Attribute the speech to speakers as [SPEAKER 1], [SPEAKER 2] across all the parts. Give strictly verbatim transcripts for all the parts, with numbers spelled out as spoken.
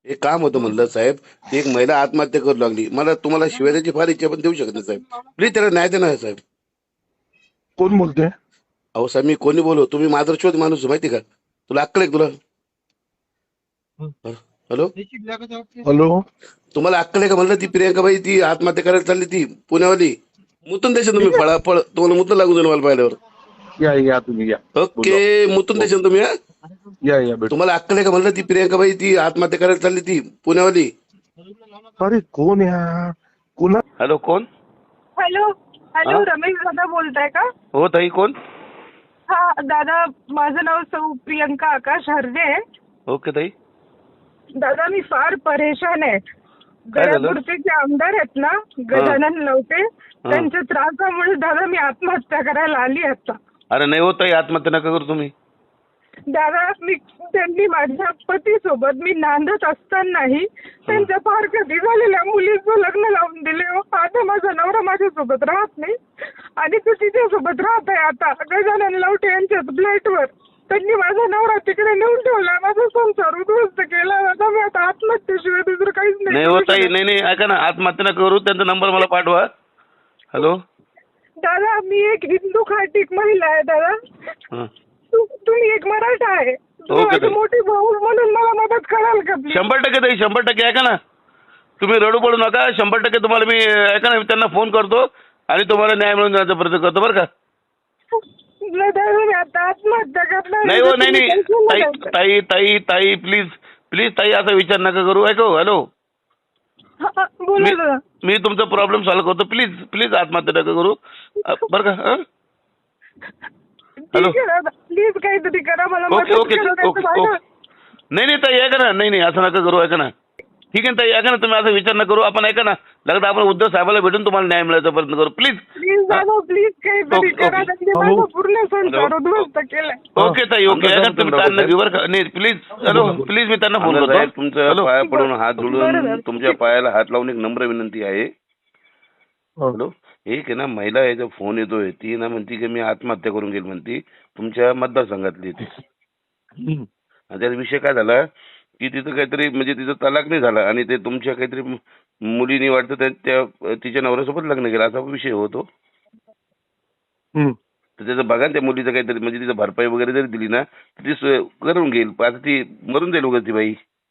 [SPEAKER 1] एक काम होतं म्हणलं साहेब, ती एक महिला आत्महत्या करू लागली. मला तुम्हाला शिव्या द्यायची फार इच्छा, पण देऊ शकत नाही साहेब. प्लीज त्याला न्याय देणार साहेब.
[SPEAKER 2] कोण बोलतोय?
[SPEAKER 1] अहो साहेब, मी कोणी बोलो, तुम्ही माधुरशोध माणूस आहे, माहिती का? तुला अक्कल आहे का तुला? हॅलो,
[SPEAKER 2] हॅलो,
[SPEAKER 1] तुम्हाला अक्कल आहे का म्हणलं? ती प्रियंकाबाई ती आत्महत्या करायला चालली, ती पुण्यावाली. मुतून द्यायचं तुम्ही, फळा फळ तुम्हाला मुतून लागून जाईल मला पाहिल्यावर.
[SPEAKER 2] या या तुम्ही या
[SPEAKER 1] ओके, मुतून द्यायचं तुम्ही. हा,
[SPEAKER 2] या या भेट.
[SPEAKER 1] तुम्हाला अक्कल आहे का म्हणलं? ती प्रियंकाबाई ती आत्महत्या करायला चालली, ती पुण्यावाली.
[SPEAKER 2] अरे कोण या कोणा?
[SPEAKER 1] हॅलो, कोण?
[SPEAKER 3] हॅलो हॅलो
[SPEAKER 1] हा?
[SPEAKER 3] रमेश दादा बोलताय का?
[SPEAKER 1] हो ताई, कोण?
[SPEAKER 3] हा दादा, माझं नाव सौ प्रियंका आकाश हरदे आहे.
[SPEAKER 1] ओके ताई.
[SPEAKER 3] दादा मी फार परेशान आहे.
[SPEAKER 1] काय झालं?
[SPEAKER 3] दर्यापूरचे जे आमदार आहेत ना, गजानन लवटे, त्यांच्या त्रासामुळे दादा मी आत्महत्या करायला आली आता.
[SPEAKER 1] अरे नाही होत ताई, आत्महत्या नका करू तुम्ही.
[SPEAKER 3] दादा मी त्यांनी माझ्या पतीसोबत मी नांदत असतानाही त्यांच्या फार कधी झालेल्या मुलीचं लग्न लावून दिले. हो, आता माझा नवरा माझ्यासोबत राहत नाही आणि तो तिच्यासोबत राहत आहे आता गजानन लवटे यांच्याच फ्लॅटवर. त्यांनी माझा नवरा तिकडे नेऊन ठेवला, माझा संसार उद्ध्वस्त केला. आता मी आता आत्महत्येशिवाय दुसरं काहीच नाही.
[SPEAKER 1] नाही होत ताई, नाही नाही, ऐका ना, आत्महत्या नका करू. त्यांचा नंबर मला पाठवा. हॅलो
[SPEAKER 3] दादा, मी एक हिंदू खाटीक महिला आहे दादा.
[SPEAKER 1] हं.
[SPEAKER 3] तु- तुम्ही एक मराठा आहे. तुम्ही
[SPEAKER 1] ओके,
[SPEAKER 3] माझी
[SPEAKER 1] ताई.
[SPEAKER 3] मोठी भाऊ म्हणून मला मदत कराल का please?
[SPEAKER 1] शंभर टक्के ताई, शंभर टक्के. ऐका ना, तुम्ही रडू पडू नका. शंभर टक्के तुम्हाला मी, ऐका ना, मी त्यांना फोन करतो आणि तुम्हाला न्याय मिळून देण्याचा प्रयत्न करतो, बरं का?
[SPEAKER 3] नाही दादा, मी आता आत्महत्या करणार.
[SPEAKER 1] नाही हो, नाही नाही
[SPEAKER 3] तुम्ही
[SPEAKER 1] ताई
[SPEAKER 3] tension नका.
[SPEAKER 1] ताई ताई ताई प्लीज प्लीज ताई, असा विचार नका करू. ऐको, हॅलो,
[SPEAKER 3] हा, हा, बोला
[SPEAKER 1] मी
[SPEAKER 3] दादा.
[SPEAKER 1] मी तुमचा प्रॉब्लेम सॉल्व्ह करतो. प्लीज प्लीज आत्महत्या नका करू, अ, बरं का? हं? हॅलो.
[SPEAKER 3] ठीक आहे दादा, प्लीज काहीतरी करा, मला
[SPEAKER 1] ओके
[SPEAKER 3] मदत
[SPEAKER 1] ओके
[SPEAKER 3] करा.
[SPEAKER 1] ओके
[SPEAKER 3] नाहीतर
[SPEAKER 1] ओके.
[SPEAKER 3] माझं-
[SPEAKER 1] नाही नाही ताई, ऐका ना, नाही नाही, असं नका करू. ऐका ना, ठीक आहे ताई, ऐका ना, तुम्ही असा विचार नका करू. आपण ऐका ना, लगता आपण उद्धव साहेबाला भेटून तुम्हाला न्याय मिळायचा प्रयत्न करू. प्लीज.
[SPEAKER 3] प्लीज दादा, प्लीज काहीतरी
[SPEAKER 1] ओके,
[SPEAKER 3] करा.
[SPEAKER 1] ओके.
[SPEAKER 3] त्यांनी
[SPEAKER 2] हॅलो.
[SPEAKER 3] माझा पूर्ण संसार
[SPEAKER 1] हॅलो.
[SPEAKER 3] उद्ध्वस्त केलाय.
[SPEAKER 1] ओके ताई, ओके. ऐका ना, तुम्ही ताण नका घेऊ, बरं का? नाही प्लीज. हॅलो, प्लीज, मी त्यांना फोन करतो. तुमच्या
[SPEAKER 2] हॅलो.
[SPEAKER 1] पाया पडून हात
[SPEAKER 3] बरं,
[SPEAKER 1] जोडून
[SPEAKER 3] बरं.
[SPEAKER 1] तुमच्या पायाला हात लावून एक नम्र विनंती आहे. हॅलो, एक आहे ना, महिला आहे, जो फोन येतोय, ती ना म्हणती की मी आत्महत्या करून घेईल, म्हणती तुमच्या मतदारसंघातली ती.
[SPEAKER 2] हम्म.
[SPEAKER 1] आणि त्याचा विषय काय झाला की तिथं काहीतरी, म्हणजे तिचं तलाक नाही झाला आणि ते तुमच्या काहीतरी मुलीनी वाटतं त्या त्या- तिच्या नवऱ्यासोबत लग्न केलं, असा विषय होतो.
[SPEAKER 2] हम्म.
[SPEAKER 1] तर त्याचं बघा ना, त्या मुलीचं काहीतरी, म्हणजे तिचं भरपाई वगैरे जरी दिली ना, तर ती सोय करून घेईल. पण आता ती मरून जाईल वगैरे ती बाई.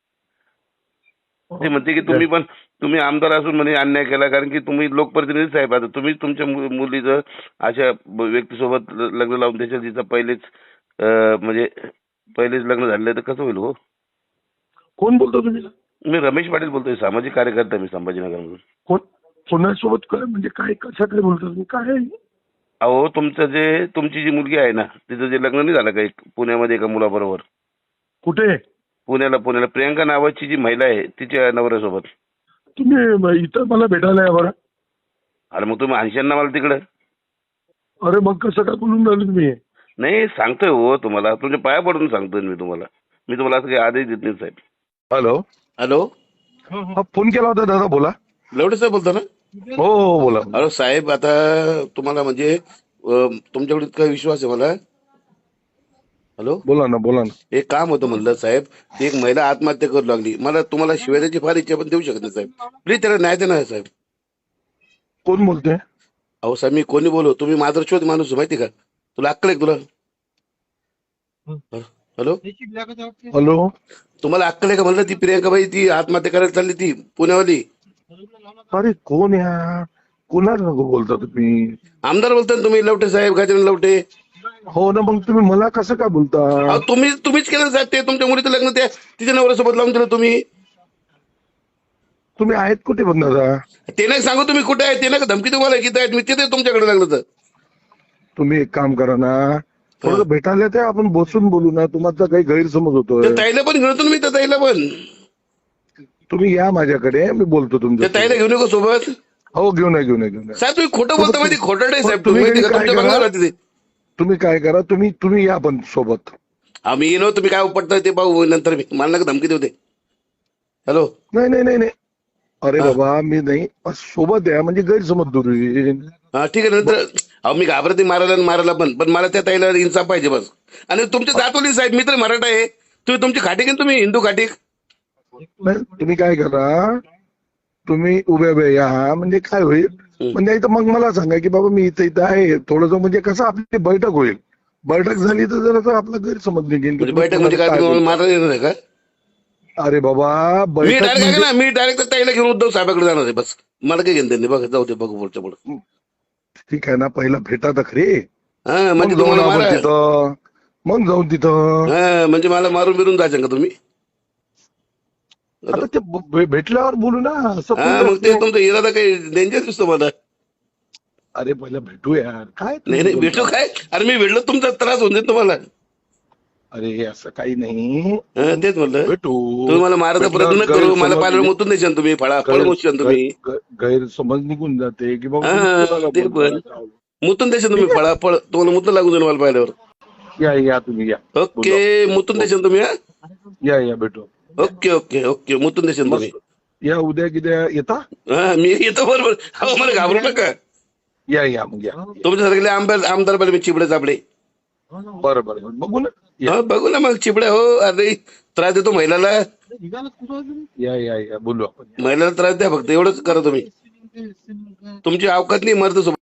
[SPEAKER 1] ते म्हणते की तुम्ही पण, तुम्ही आमदार असून म्हणे अन्याय केला, कारण की तुम्ही लोकप्रतिनिधी साहेब. आता तुम्ही तुमच्या मु- मुलीचं अशा ब- व्यक्तीसोबत ल- लग्न लावून त्याच्या तिचं पहिलेच अं, म्हणजे पहिलेच लग्न झालेलं आहे, तर कसं होईल हो?
[SPEAKER 2] कोण बोलतो तुम्ही?
[SPEAKER 1] मी रमेश पाटील बोलतोय, सामाजिक कार्यकर्ता मी, संभाजीनगरमधून.
[SPEAKER 2] कोण कोणासोबत काय म्हणजे काय कसं काय बोलतो तुम्ही? काय आहे?
[SPEAKER 1] अहो, तुमचं जे तुमची जी मुलगी आहे ना, तिचं जे लग्न नाही झालं का एक पुण्यामध्ये एका मुलाबरोबर?
[SPEAKER 2] कुठे?
[SPEAKER 1] पुण्याला पुण्याला प्रियंका नावाची जी महिला आहे, तिच्या नवऱ्यासोबत.
[SPEAKER 2] तुम्ही म- इथं मला भेटायला या बरं.
[SPEAKER 1] अरे मग तुम्ही आणशान ना मला तिकडं?
[SPEAKER 2] अरे मग कसं काय बोलून राहिले तुम्ही?
[SPEAKER 1] नाही, सांगतोय हो तुम्हाला, तुमच्या पाया पडून सांगतोय मी तुम्हाला. मी तुम्हाला असं काही आदेश देत नाही साहेब.
[SPEAKER 2] हॅलो.
[SPEAKER 1] हॅलो,
[SPEAKER 2] हा, फोन केला होता दादा, बोला.
[SPEAKER 1] लवडे साहेब बोलतो ना?
[SPEAKER 2] हो हो बोला.
[SPEAKER 1] अरे साहेब, आता तुम्हाला म्हणजे अं, तुमच्याकडे इतका विश्वास आहे मला. हॅलो,
[SPEAKER 2] बोला ना बोला ना.
[SPEAKER 1] एक काम होतं म्हणलं साहेब, ती एक महिला आत्महत्या करू लागली. मला तुम्हाला शिव्या द्यायची फार इच्छा, पण देऊ शकत नाही साहेब. प्लीज त्याला न्याय देणार साहेब.
[SPEAKER 2] कोण बोलतोय?
[SPEAKER 1] अहो साहेब, मी कोणी बोलो, तुम्ही माधुरशोध माणूस आहे, माहिती का? तुला अक्कल आहे का तुला? Hello,
[SPEAKER 2] hello.
[SPEAKER 1] तुम्हाला अक्कल आहे का म्हणलं? ती प्रियंकाबाई ती आत्महत्या करायला चालली, ती पुण्यावाली.
[SPEAKER 2] अरे कोण या कोणाला बोलता तुम्ही?
[SPEAKER 1] आमदार बोलता ना तुम्ही, लवटे साहेब, गजानन लवटे.
[SPEAKER 2] हो ना, मग तुम्ही मला कसं काय बोलता?
[SPEAKER 1] अहो, तुम्ही तुम्हीच केलं साहेब, ते तुमच्या मुलीचं लग्न त्या तिच्या नवऱ्यासोबत लावून दिलं तुम्ही.
[SPEAKER 2] तुम्ही आहेत कुठे पण दादा?
[SPEAKER 1] ते नाही सांगू तुम्ही कुठे आहे, ते नाही का धमकी तुम्हाला किती आहेत, मी तिथे तुमच्याकडे लागलं तर.
[SPEAKER 2] तुम्ही एक काम करा ना, थोडं भेटायला ते आपण बसून बोलू ना. तुम्हाला काही गैरसमज होतोय.
[SPEAKER 1] त्या ताईला पण घेऊन येतो ना मी, त्या ताईला पण.
[SPEAKER 2] तुम्ही या माझ्याकडे, मी बोलतो
[SPEAKER 1] त्या
[SPEAKER 2] तुमच्या.
[SPEAKER 1] ताईला घेऊन येऊ का सोबत?
[SPEAKER 2] हो घेऊन या घेऊन या घेऊन या.
[SPEAKER 1] साहेब तुम्ही खोटं बोलता, माहिती खोटं नाही साहेब,
[SPEAKER 2] तुम्ही
[SPEAKER 1] तुम्ही माहिती का?
[SPEAKER 2] काय
[SPEAKER 1] तुमच्या
[SPEAKER 2] करा?
[SPEAKER 1] बंगल्यावर राहते ते.
[SPEAKER 2] तुम्ही काय करा, तुम्ही तुम्ही या पण सोबत.
[SPEAKER 1] आम्ही येलो, तुम्ही काय उपटता ते पाहू नंतर. मी मला नका धमकी देऊ ते. हॅलो,
[SPEAKER 2] नाही नाही नाही नाही. अरे बाबा मी नाही, सोबत या म्हणजे गैरसमज दूर होईल.
[SPEAKER 1] हा ठीक आहे. नंतर अहो, मी घाबरते मारायला आणि मारायला पण, पण मला त्या ताईला इन्साफ पाहिजे बस. आणि तुमच्या दातोली साहेब, मी तर मराठा आहे, तुम्ही तुमची खाटीक आहे ना, तुम्ही हिंदू खाटीक.
[SPEAKER 2] नाही, तुम्ही काय करा, तुम्ही उभ्या उभ्या या, म्हणजे काय होईल, म्हणजे इथं मग मला सांगा की बाबा मी इथं इथं आहे थोडस, म्हणजे कसं आपली बैठक होईल. बैठक झाली तर जरा आपला गैरसमज निघेल की
[SPEAKER 1] म्हणजे
[SPEAKER 2] तुम्ही
[SPEAKER 1] बैठक म्हणजे काय,
[SPEAKER 2] कोणाला
[SPEAKER 1] तुम्ही मला
[SPEAKER 2] बोलता.
[SPEAKER 1] मारता येणार आहे का?
[SPEAKER 2] अरे बाबा
[SPEAKER 1] मी
[SPEAKER 2] बैठक
[SPEAKER 1] डायरेक्ट
[SPEAKER 2] म्हणजे
[SPEAKER 1] ना मी डायरेक्ट ताईला घेऊन उद्धव साहेबाकडे जाणार आहे, बस मला काय घेणं त्यांनी, बघा जाऊ दे बघू पुढच्या पुढे.
[SPEAKER 2] ठीक आहे ना, पहिला भेटा तर खरी,
[SPEAKER 1] हा
[SPEAKER 2] मग
[SPEAKER 1] म्हणजे
[SPEAKER 2] जाऊन
[SPEAKER 1] तुम्हाला
[SPEAKER 2] आपण
[SPEAKER 1] मारा,
[SPEAKER 2] तिथं, मग जाऊन तिथं.
[SPEAKER 1] हा म्हणजे मला मारून बिरून जायचं का तुम्ही?
[SPEAKER 2] आता ते भे- भेटल्यावर बोलू ना, असं
[SPEAKER 1] हा
[SPEAKER 2] कोणी
[SPEAKER 1] मग ते
[SPEAKER 2] असतं.
[SPEAKER 1] तुमचा इरादा काही डेंजर दिसतो मला.
[SPEAKER 2] अरे पहिला भेटू यार, काय
[SPEAKER 1] नाही नाही
[SPEAKER 2] तुम्ही
[SPEAKER 1] भेटू
[SPEAKER 2] बोलता?
[SPEAKER 1] काय, अरे मी भेटलो तुमचा त्रास होऊन देत तुम्हाला.
[SPEAKER 2] अरे असं काही नाही,
[SPEAKER 1] हा, तेच म्हणलं
[SPEAKER 2] भेटू.
[SPEAKER 1] तुम्ही मला मारायचा प्रयत्न न करू, मला पाहिलं
[SPEAKER 2] गैरसमज
[SPEAKER 1] मुतून देशाल तुम्ही, फळा फळ
[SPEAKER 2] गैर-
[SPEAKER 1] मोशाल तुम्ही.
[SPEAKER 2] गैर- गैरसमज निघून जाते की बाबा
[SPEAKER 1] हा,
[SPEAKER 2] तुम्ही कोणाला
[SPEAKER 1] ते
[SPEAKER 2] बोलता.
[SPEAKER 1] पण. मुतून देशाल तुम्ही, फळा फळ तुम्हाला मुतून लागून जाईल मला पाहिल्यावर.
[SPEAKER 2] या या तुम्ही या,
[SPEAKER 1] ओके मुतून देशाल तुम्ही. हा
[SPEAKER 2] या या भेटू.
[SPEAKER 1] ओके ओके ओके मुतून देशाल तुम्ही.
[SPEAKER 2] या उद्या किद्या येता.
[SPEAKER 1] हा मी येतो बरोबर. अहो मला घाबरू नका.
[SPEAKER 2] या या मग या.
[SPEAKER 1] तुमच्यासारखे आमदार आमदार पाहिजे मी चिबडे चापडे.
[SPEAKER 2] बरं बरं बरं, बघू ना.
[SPEAKER 1] हा बघू ना मग चिबड्या. हो अरे त्रास देतो महिलाला,
[SPEAKER 2] या या या बोलू आपण.
[SPEAKER 1] महिलाला त्रास द्या फक्त, एवढंच करा तुम्ही. तुमची अवकात नाही मर्द सोबत